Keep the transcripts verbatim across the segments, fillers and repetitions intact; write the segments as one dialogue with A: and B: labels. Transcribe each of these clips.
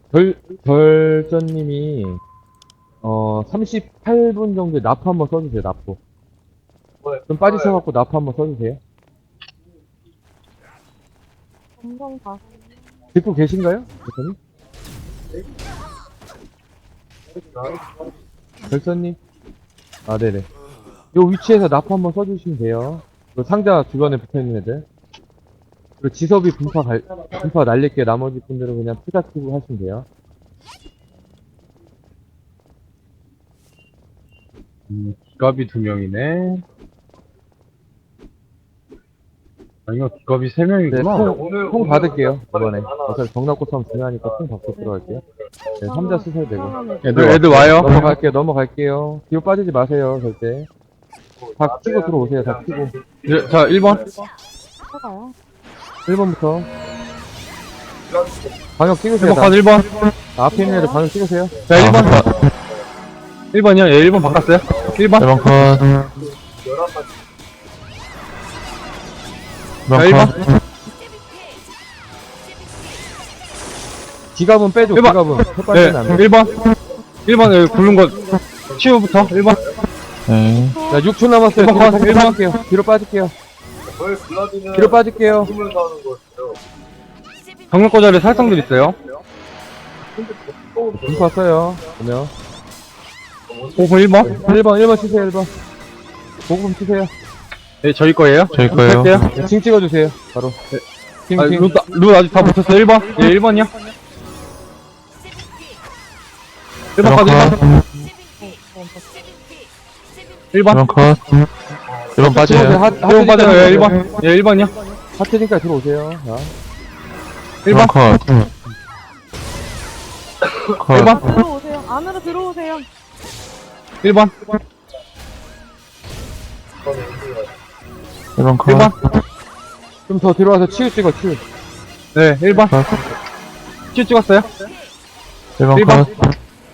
A: 별, 별전님이, 어, 삼십팔 분 정도에 나프 한번 써주세요, 나프. 좀 빠지셔갖고 나프 한번 써주세요.
B: 점점 다.
A: 듣고 계신가요? 별전님? 별전님? 아, 네네. 요 위치에서 나프 한번 써주시면 돼요. 그 상자 주변에 붙어있는 애들. 그리고 지섭이 분파 갈, 분파 날릴게 나머지 분들은 그냥 투자 키고 하시면 돼요.
C: 음, 기갑이 두 명이네. 아니요, 기갑이 세
A: 네,
C: 명이구나.
A: 통, 통 받을게요, 이번에. 어차피 정납고 싸움 중요하니까 통 받고 들어갈게요. 네, 삼 자 쓰셔도 되고.
C: 애들, 애들 와요.
A: 넘어갈게요, 넘어갈게요. 뒤로 빠지지 마세요, 절대. 다 키고 들어오세요, 다 키고.
C: 예, 자, 일 번.
B: 해가요.
A: 일 번부터. 방역
C: 일
A: 찍으세요,
C: 번
A: 다.
C: 컷 일 번.
A: 아, 앞에 있는 애들 방역 찍으세요.
C: 자, 일 번. 일 번이요? 예, 일 번 바꿨어요. 일 번.
D: 일 번 컷.
C: 자, 일
D: 일
C: 번.
D: 번 컷.
A: 지갑은 빼줘,
C: 일 번.
A: 지갑은.
C: 네,
A: 헷갈리면 안 돼.
C: 일 번. 일 번, 여기 굴른 거, 치우부터. 일 번.
D: 네.
A: 자, 육 초 남았어요.
C: 일 번
A: 뒤로
C: 컷, 일 번.
A: 빠질게요. 뒤로 빠질게요. 뒤로 빠질게요.
C: 정력 자리 살상들 있어요.
A: 분파 써요. 보면.
C: 오분 일 번.
A: 일 번, 일 번 치세요, 일 번. 보금 치세요.
C: 네, 저희 거예요.
D: 저희 거예요.
C: 할게요.
A: 네, 징 찍어주세요, 바로. 징,
C: 아,
A: 징.
C: 루, 루 아직 다 붙었어요. 일 번. 예, 일 번이요. 일 번 컷, 일 번. 일 번.
D: 일 번 컷. 일 번
A: 들어오세요.
D: 빠져요.
A: 하-
C: 일 번
A: 하트니까
C: 빠져요. 예, 일
A: 들어오세요.
C: 번. 예, 일 번이요.
A: 하트니까 들어오세요. 자.
C: 일
D: 일
C: 번.
D: 번 컷.
C: 일 번.
D: 컷.
B: 들어오세요. 안으로 들어오세요.
C: 일 번.
D: 일 번 컷.
C: 일 번.
A: 좀 더 들어와서 치유 찍어, 치유.
C: 네, 일 번.
D: 컷.
C: 치 찍었어요.
D: 일 번
C: 일 번.
D: 컷.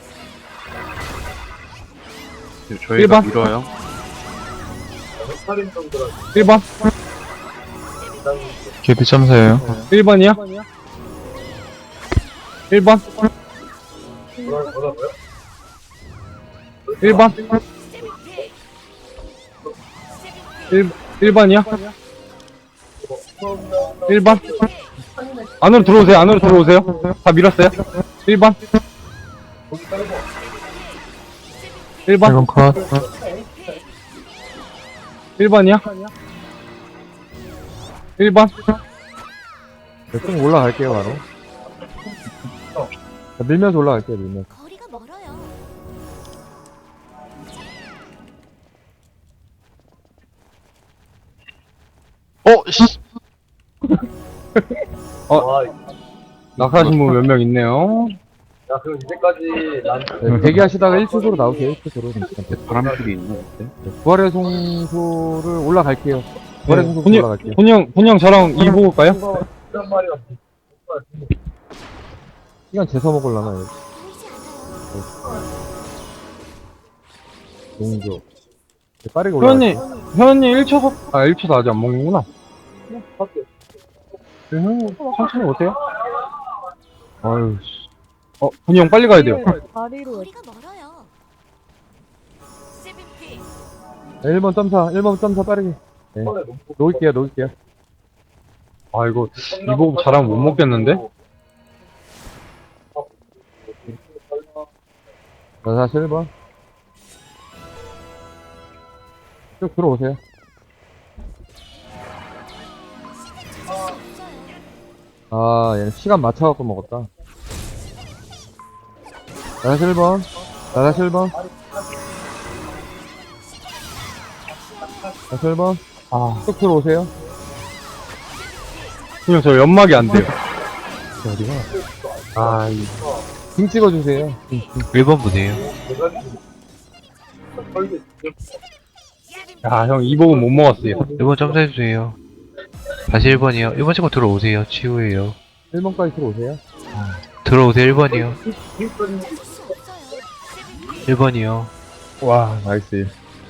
C: 일 번. 밀어요. 일 번.
D: 개비 점사예요.
C: 일 번이요. 일 번. 일 번. 일, 일 번이요. 일 번. 안으로 들어오세요. 안으로 들어오세요. 다 밀었어요. 일 번. 일
D: 일
C: 번.
D: 번 컷.
C: 일 번이요. 일 번.
A: 네, 좀 올라갈게요, 바로. 자, 밀면서 올라갈게요, 밀면서.
E: 거리가 멀어요.
D: 어, 씨.
C: 낙하신 분 몇 명 있네요.
F: 야, 그럼 이제까지 난
A: 네, 대기하시다가 일 초소로 나오세요, 일 초소로.
C: 바람길이 있네.
A: 부활의 송소를 올라갈게요. 부활의 송소
C: 본인,
A: 올라갈게요.
C: 본영, 본영 저랑 이 보고 올까요?
F: 한 마리가
A: 시간 재서 먹으려나, 여기.
E: 보이지 않아요.
A: 용조. 네, 빠르게
C: 회원님,
A: 올라갈게요.
C: 회원님 일 초, 아, 일 초도 아직 안 먹는구나. 네, 회원님, 천천히 오세요. 아유, 씨. 어, 본영 빨리 가야 돼요.
B: 다리로.
E: 거리가 멀어요. 씨비피
A: 네, 일 번 점사, 일 번 점사 빠르게. 네. 놓을게요, 놓을게요.
C: 아, 이거, 이 보고 잘하면 못 먹겠는데?
A: 자, 다시 일 번. 쭉 들어오세요.
E: 없어요.
A: 아, 얘는 시간 맞춰갖고 먹었다. 자, 다시 일 번. 자, 다시 일 번. 다시 일 번.
C: 아,
A: 쭉 들어오세요.
C: 본영 저 연막이 안 돼요.
A: 어디가?
C: 아, 이
A: 징 찍어주세요.
D: 일 번 분이에요.
C: 야, 형, 이 보고 못 먹었어요.
D: 일 번 점사해주세요. 다시 일 번이요. 일 번 친구 들어오세요. 치우예요.
A: 일 번까지 들어오세요.
D: 들어오세요. 일 번이요.
E: 수 없어요. 씨비피
D: 일 번이요.
A: 와, 나이스.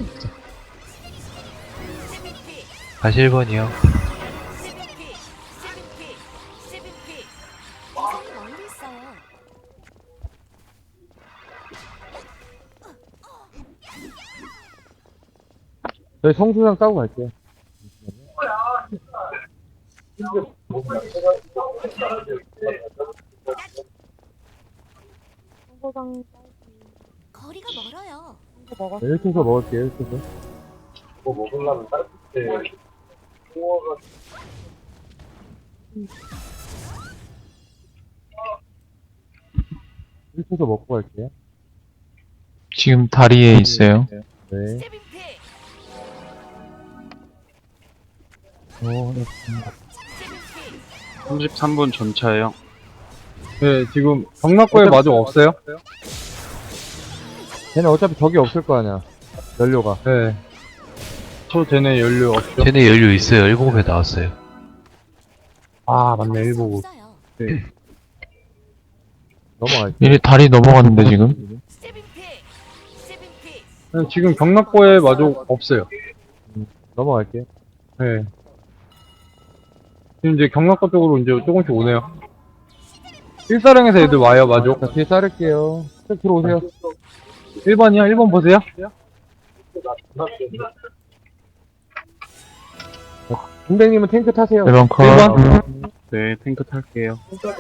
E: 씨비피
D: 다시 일 번이요.
E: 씨비피 씨비피 씨비피 이성이 멀리 있어요.
A: 저희 성수장 따고 갈게요.
B: 청소장
E: 거리가 멀어요.
B: 이거 먹었어.
A: 일 초서 먹을게요, 일 초서.
F: 뭐 먹으려면 다른 때 홍어가
A: 일 초서 먹고 갈게요.
D: 지금 다리에 있어요.
A: 네.
E: 세븐피.
A: 어, 네.
E: 세븐피.
G: 삼십삼 분 전차예요.
C: 네, 지금 경락고에
A: 어차피-
C: 마중 없어요?
A: 걔는 어차피 적이 없을 거 아니야. 연료가.
C: 네. 저 쟤네 연료 없죠?
D: 쟤네 연료 있어요. 일곱에 나왔어요.
C: 아, 맞네, 일보고.
E: 없어요.
A: 넘어갈게요.
D: 얘네 다리 넘어갔는데 지금?
E: 세븐피. 세븐피.
C: 네, 지금 경락고에 마중 없어요.
A: 넘어갈게요.
C: 네. 지금 이제 경락고 쪽으로 이제 조금씩 오네요. 일사령에서 애들 와요, 마중.
A: 자, 뒤에 자를게요. 쭉 들어오세요.
C: 일 번이요? 일 번 보세요.
A: 군대님은 탱크 타세요.
D: 일 번 컷.
C: 일 번.
G: 네, 탱크 탈게요.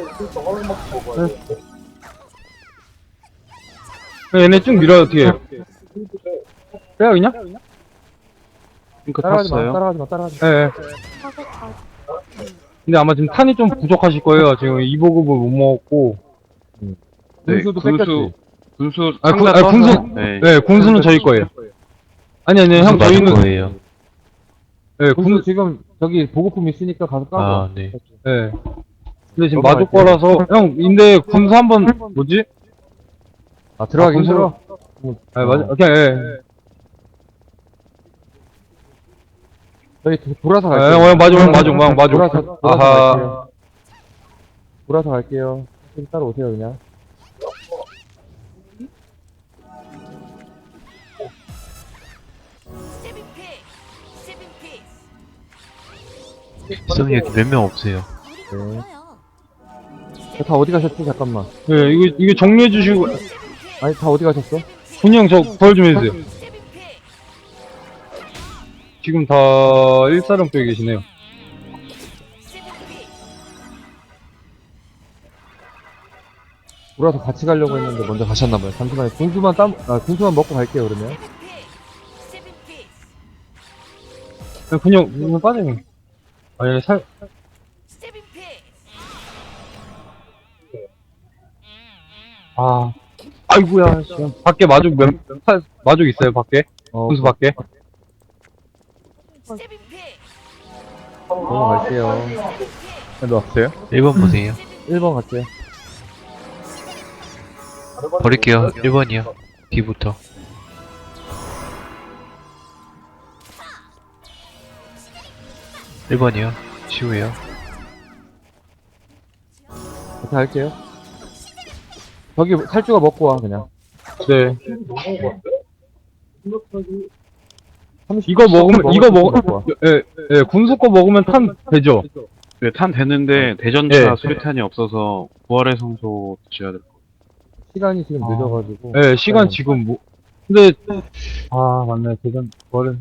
C: 네, 얘네 쭉 밀어요, 어떻게 해요? 빼요, 그냥?
G: 탱크
A: 따라가지 마,
G: 탔어요.
A: 따라가지 마, 따라가지 마.
C: 네. 네.
B: 사격까지.
C: 근데 아마 지금 탄이 좀 부족하실 거예요. 지금 이 보급을 못 먹었고.
G: 네,
A: 군수도
G: 군수,
A: 뺏겼지.
G: 군수
C: 아, 군-
G: 상자
C: 아,
G: 떠서-
C: 군수-
G: 네.
C: 네, 군수는 저희 거예요. 아니, 아니, 형,
D: 맞을
C: 저희는.
D: 거예요.
C: 네,
A: 군수
C: 군,
A: 지금 저기 보급품 있으니까 가서 까고.
D: 아, 네.
C: 네. 근데 지금
A: 넘어갈게요.
C: 마족 거라서. 형, 근데 군수 한 번, 뭐지?
A: 아, 들어가기
C: 아, 군수-
A: 힘들어.
C: 아, 맞아. 오케이, 예.
A: 저희 도- 돌아서
C: 예,
A: 갈게요.
C: 어, 마족, 형, 마족, 형, 마족.
A: 돌아서, 돌아서
C: 아하.
A: 갈게요. 돌아서 갈게요. 좀 따라오세요, 그냥.
E: 세븐피. 세븐피.
D: 수성이 여기 몇 명 없어요.
E: 거리가
A: 네.
E: 멀어요.
A: 저 다 어디 가셨지? 잠깐만.
C: 예, 이거, 이거 정리해주시고.
A: 아니, 다 어디 가셨어?
C: 군이 형, 저, 부활 좀 해주세요.
E: 세븐피.
C: 지금 다 일사령 쪽에 계시네요.
E: 세븐피.
A: 돌아서 같이 가려고 했는데 먼저 가셨나봐요. 잠시만요. 군수만 땀, 아, 군수만 먹고 갈게요, 그러면.
E: 세븐피. 세븐피.
C: 형, 군이 형, 군이 형 빠져요. 아, 얘 살,
E: 세븐피.
C: 아. 아이고야, 씨. 밖에 마족 몇, 사- 마족 있어요, 밖에?
A: 어,
C: 군수 밖에?
E: 세븐피.
A: 넘어갈게요.
C: 넣었어요?
D: 일 번 보세요.
A: 일 번 갈게요.
D: 버릴게요. 일 번이요. 뒤부터. 일 번이요. 치우예요.
A: 같이 갈게요. 저기 살주가 먹고 와, 그냥.
C: 네.
A: 삼십
C: 이거 먹으면, 이거
A: 먹을
C: 먹,
A: 수 먹고 와.
C: 예, 예, 군수 거 먹으면 탄 되죠?
G: 네, 탄 되는데 대전차
C: 네.
G: 수리탄이 없어서 부활의 성소 지어야 될 거예요.
A: 시간이 지금
C: 아.
A: 늦어가지고.
C: 예, 시간 지금 뭐, 근데, 아, 맞네, 대전, 버는.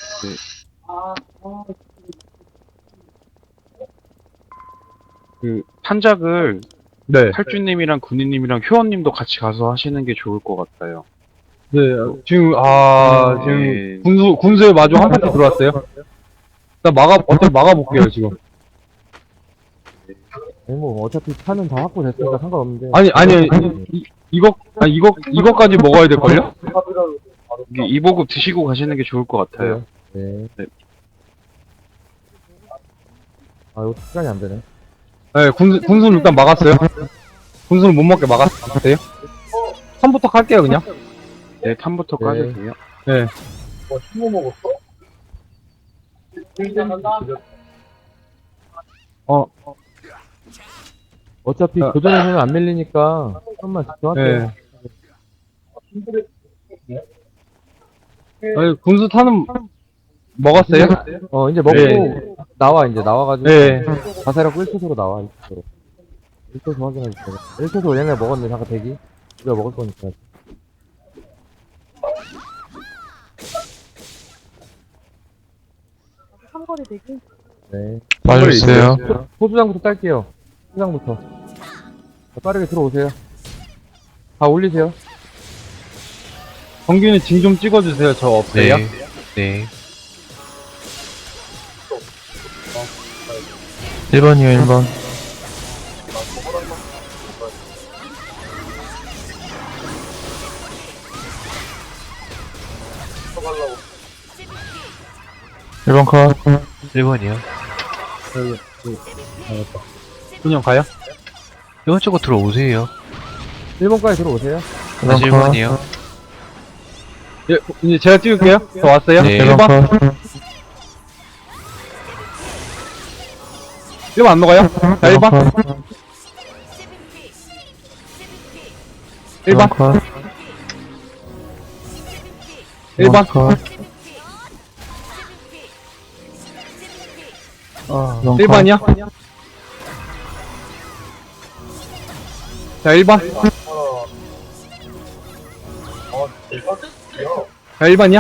G: 그 탄작을
C: 네.
G: 탈주님이랑 군인님이랑 효원님도 같이 가서 하시는 게 좋을 것 같아요.
C: 네, 지금, 아, 지금,
G: 네.
C: 군수, 군수에 마주 한 파티 들어왔어요? 일단 막아, 어차피 막아볼게요, 지금.
A: 아니, 뭐, 어차피 차는 다 확보됐으니까 상관없는데.
C: 아니, 아니, 이, 이거, 아니, 이거, 이거까지 먹어야 될걸요?
G: 이게 이보급 드시고 가시는 게 좋을 것 같아요.
A: 네.
G: 네.
A: 아, 이거 시간이 안 되네.
C: 네, 군수, 군수는 일단 막았어요. 군수는 못 먹게 막았어요. 삼부터 갈게요, 그냥.
G: 네, 탄부터
A: 네.
G: 까주세요.
C: 네.
F: 뭐 흰거 먹었어?
C: 어,
A: 어차피
C: 아.
A: 교전에서는 안 밀리니까, 한번 집중할게요.
C: 네. 아니, 군수 타는, 먹었어요?
A: 어, 이제 먹고,
C: 네.
A: 나와, 이제 나와가지고.
C: 네.
A: 가세력 일 초소로 나와, 일 초소로. 일 초소 확인해주세요. 일 초소 얘네 먹었는데, 잠깐 대기. 우리가 먹을 거니까.
B: 상거리 대기.
A: 네.
D: 빠져주세요.
A: 소수장부터 딸게요. 소수장부터. 자, 빠르게 들어오세요. 다 올리세요.
C: 정규는 징 좀 찍어주세요. 저 없어요.
D: 네. 네. 일 번이요, 일 번. 일 번 컷. 일 번이요.
C: 분영 가요?
D: 일 번 쪽으로 들어오세요.
A: 일 번까지 들어오세요.
D: 다시 일 번이요.
C: 예, 이제 제가 띄울게요. 저 왔어요.
D: 네.
C: 일 번. 일 번 안 녹아요? 자, 일 번. 일 번. 일 번. 일 번이요? 자, 일 번. 자, 일 번이요?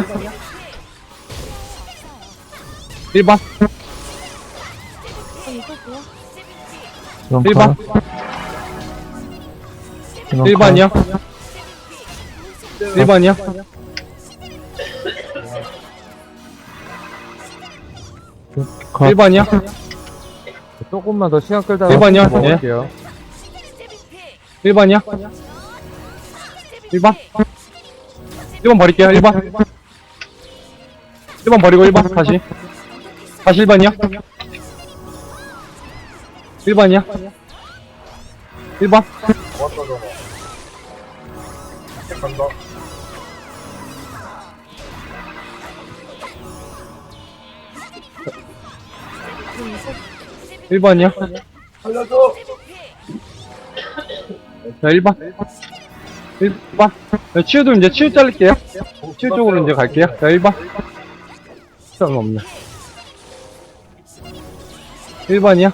C: 일 번.
B: 좀 있을게요.
C: 일 번. 일 번이요? 일 번이요? 일 번이요?
A: 조금만 더 시간 끌다가
C: 일 번이요?
A: 먹을게요.
C: 일 번이요? 일 번? 일 번 버릴게요, 일 번. 일 번 버리고 일 번, 다시. 다시 일 번이요? 일 번이요? 일 번?
F: 간다.
C: 일 번이요?
F: 살려줘.
C: 자, 일 번. 일 번. 자, 치유도 이제 치유 자를게요. 치유 쪽으로 이제 갈게요. 자, 일 번. 시간 없네. 일 번이요?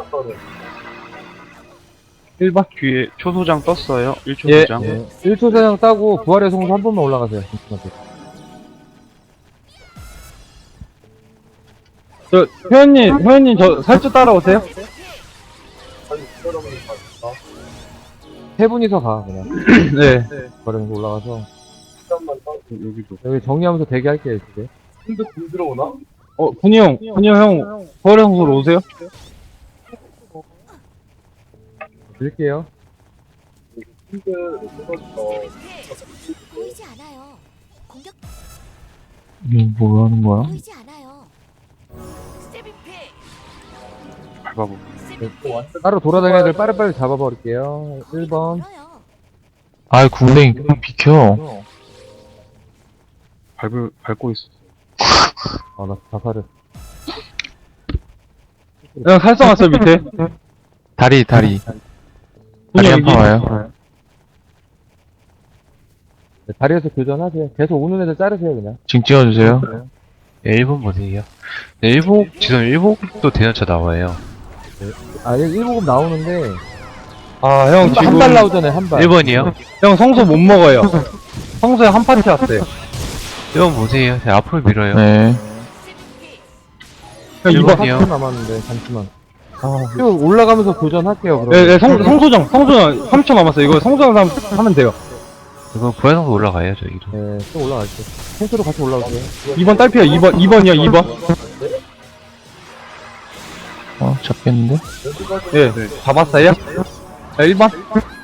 C: 일 번.
G: 뒤에 초소장 떴어요. 일 초
C: 예.
G: 소장.
A: 네. 일 초 사냥 따고 부활의 성수 한 번만 올라가세요. 잠시만요.
C: 저, 회원님, 회원님, 저, 살짝 따라오세요.
A: 세 분이서 가 그냥.
C: 네.
A: 부활의 성수 올라가서
G: 여기도.
A: 여기 정리하면서 대기할게요 이제.
F: 근데 굴 들어오나?
C: 어, 군이 형, 군이 형, 버려성소로 오세요.
A: 드릴게요.
F: 근데 어
E: 보이지 않아요. 공격
D: 이게 뭐 하는 거야?
E: 보이지 않아요. 스텝인 피.
G: 밟아보.
E: 스텝인 피.
A: 따로 돌아다니는 애들 빠르빠르 잡아버릴게요. 일 번.
E: 멀어요.
D: 아이, 궁뎅이, 그냥 비켜.
G: 밟을, 밟고 있어.
A: 아, 나 자살을.
C: 형, 살성 왔어요, 밑에.
D: 다리, 다리.
C: 군이
D: 다리
C: 형,
D: 한 판
C: 여기.
D: 와요.
A: 네, 다리에서 교전하세요. 계속 오는 애들 자르세요, 그냥.
D: 징 찍어주세요. 네, 일 번 보세요. 네, 일복, 지금 일복도 대전차 나와요.
A: 아, 일 복음 나오는데.
C: 아, 형, 지금.
A: 한 발 나오잖아요, 한 발.
D: 일 번이요.
C: 형, 성소 못 먹어요. 성소에 한 파티 왔어요.
D: 일 번 보세요. 네, 앞으로 밀어요. 네.
C: 형,
D: 일
C: 이 번.
D: 번이요.
A: 삼 초 남았는데, 잠시만. 아, 쭉 올라가면서 교전할게요, 그럼.
C: 네, 네, 성, 성소정, 성소정 삼 초 남았어요. 이거 성소정 하면, 하면 돼요.
D: 이거 부활성도 올라가요, 저기도.
A: 네, 또 올라갈게요. 통수로 같이 올라오세요.
C: 이 번 딸피야, 이 번, 이 번이요, 이 번.
D: 어, 잡겠는데?
C: 예, 네, 잡았어요? 자, 일 번.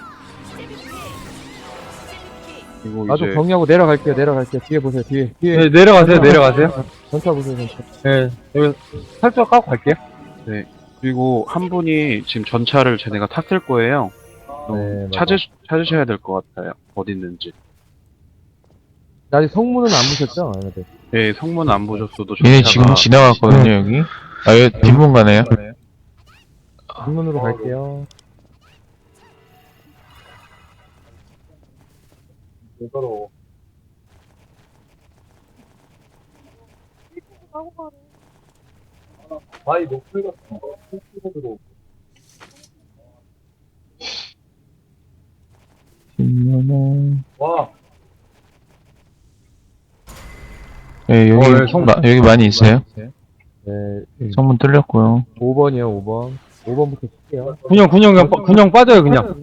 G: 그리고
A: 나도
G: 이제
A: 정리하고 내려갈게요, 내려갈게요. 뒤에 보세요, 뒤에. 뒤에.
C: 네, 내려가세요, 내려가세요.
A: 전차 보세요, 전차.
C: 네, 여기 살짝 까고 갈게요.
G: 그리고 한 분이 지금 전차를 쟤네가 탔을 거예요. 어,
A: 네, 맞아.
G: 찾으 찾으셔야 될 것 같아요. 어디 있는지.
A: 아직 성문은 안 보셨죠? 얘네들.
G: 네, 성문 안 보셨어도
D: 얘네
G: 전차가
D: 지금 지나갔거든요, 여기. 아, 여기 뒷문 가네요.
A: 뒷문으로 갈게요.
F: 이거로
B: 하고 가네.
F: 바위 목표 같은 거 풀고 들어오고.
D: 뒷문은.
F: 와,
D: 예, 여기,
C: 어, 예, 성-
D: 마, 여기 많이 있어요.
A: 네,
D: 성문 뚫렸고요.
A: 오 번이요, 오 번. 오 번부터 칠게요.
C: 군용, 군용, 그냥, 빠- 군용 빠져요, 그냥.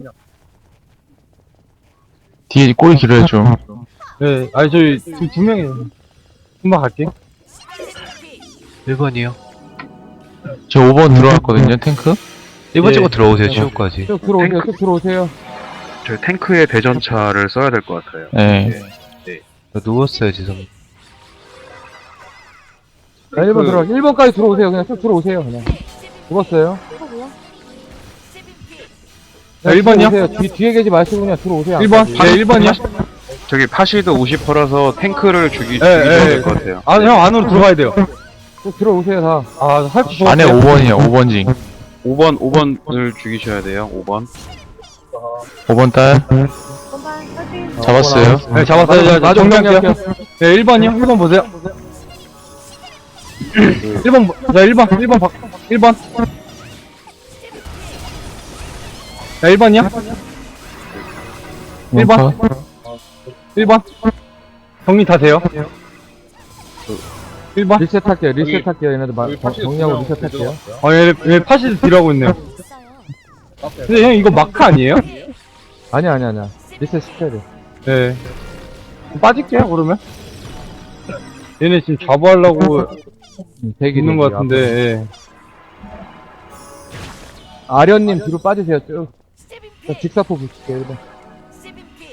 D: 뒤에 꼬리 길어요, 좀.
C: 네, 아니, 저희 두, 두 명이에요. 금방 갈게요.
D: 일 번이요. 저 오 번 들어왔거든요, 탱크. 일 번
C: 예.
D: 찍고 들어오세요, 치우까지.
A: 쭉 들어오세요, 쭉 들어오세요.
G: 저희 탱크에 대전차를 써야 될 것 같아요.
D: 네.
G: 네.
D: 저 누웠어요, 지금.
A: 자, 일 번 들어, 일 번까지 들어오세요. 그냥 쭉 들어오세요, 그냥. 죽었어요.
B: 하고요.
C: 자, 일 번이요?
A: 뒤, 뒤에 계지 마시고 그냥 들어오세요.
C: 일 번? 네, 일 번이요?
G: 저기 파시드 오십 퍼라서 탱크를 죽이, 죽이셔야
C: 예, 예.
G: 될 것 같아요.
C: 아, 형 안으로 들어가야 돼요.
A: 쭉 들어오세요, 다.
C: 아, 할수 있어.
D: 안에 오 번이요, 오 번징.
G: 오 번, 오 번을 죽이셔야 돼요, 오 번.
D: 오 번 딸.
B: 선반 사진.
D: 잡았어요.
C: 네, 잡았어요. 자,
A: 나도
C: 정리할게요. 네, 일 번이요? 일 번 보세요. 일 번, 자, 일 번, 일 번, 바, 일 번. 자, 일 번이요? 일 번. 일 번. 정리 다 돼요. 일 번.
A: 리셋 할게요, 리셋 할게요. 얘네들 마, 정- 정리하고 리셋 할게요.
C: 아, 얘, 얘 파시드 딜하고 있네요.
E: 있어요.
C: 근데 형, 이거 마크 아니에요?
A: 아니야, 아니야, 아니야. 리셋 시켜야 돼.
C: 네. 빠질게요, 그러면. 얘네 지금 자부하려고
A: 음, 대기
C: 있는
A: 대기.
C: 것 같은데, 예.
A: 아련님 뒤로 빠지세요, 쭉.
E: 스텝인
A: 자,
E: 피.
A: 직사포 붙일게요, 일 번.
E: 스텝인 피.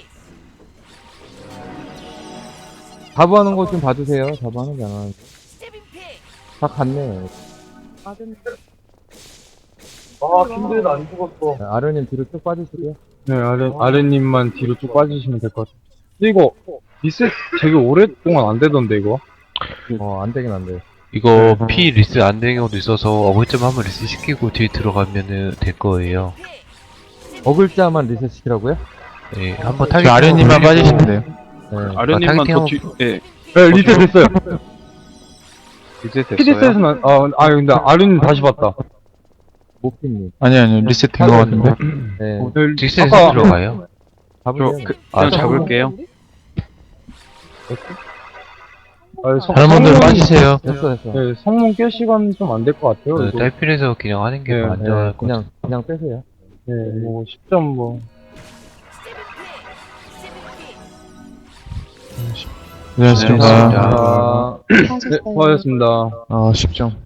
A: 자부하는 거 좀 봐주세요. 자부하는 게 안 하는데.
E: 스텝인 피.
A: 다 갔네.
B: 맞은.
F: 아, 힘들다, 안 죽었어.
A: 자, 아련님 뒤로 쭉 빠지시고요.
C: 네, 아래, 아래님만 뒤로 쭉 빠지시면 될 것 같아요. 근데 이거, 리셋 되게 오랫동안 안 되던데, 이거.
A: 어, 안 되긴 안 돼.
D: 이거 P 리스 안 되는 경우도 있어서 어글점 한번 리스 시키고 뒤에 들어가면은 될 거예요.
A: 어글자만 리셋 시키라고요?
D: 네, 한번 타겟 아련님만 빠지시면 돼요.
A: 네.
G: 아련님만
D: 타겟팅
G: 더
D: 하고-
G: 뒤, 예,
C: 네, 리셋 됐어요.
G: 이제 됐어요.
C: 피디셋은, 안- 아, 아, 근데 아래님 다시 봤다.
A: 모피님.
D: 아니, 아니, 리셋 된 거 같은데.
A: 네.
C: 네,
D: 직선에서
C: 아까-
D: 들어가요.
A: 잡으세요.
G: 그,
D: 아,
G: 그냥 잡을게요.
C: 아, 성-
D: 다른 분들
C: 성문-
D: 빠지세요.
A: 됐어, 됐어.
C: 네, 성문 깰 시간 좀 안 될 것 같아요.
D: 네,
C: 이거.
D: 딸필에서 그냥 하는 게
C: 네,
D: 더
A: 네,
D: 안전할 것 같아요.
A: 그냥, 그냥 빼세요.
C: 네, 뭐, 십 점 뭐.
E: 스텝인 피. 스텝인 피.
D: 고생하셨습니다.
A: 아,
C: 네, 수고하셨습니다.
D: 아, 십 점.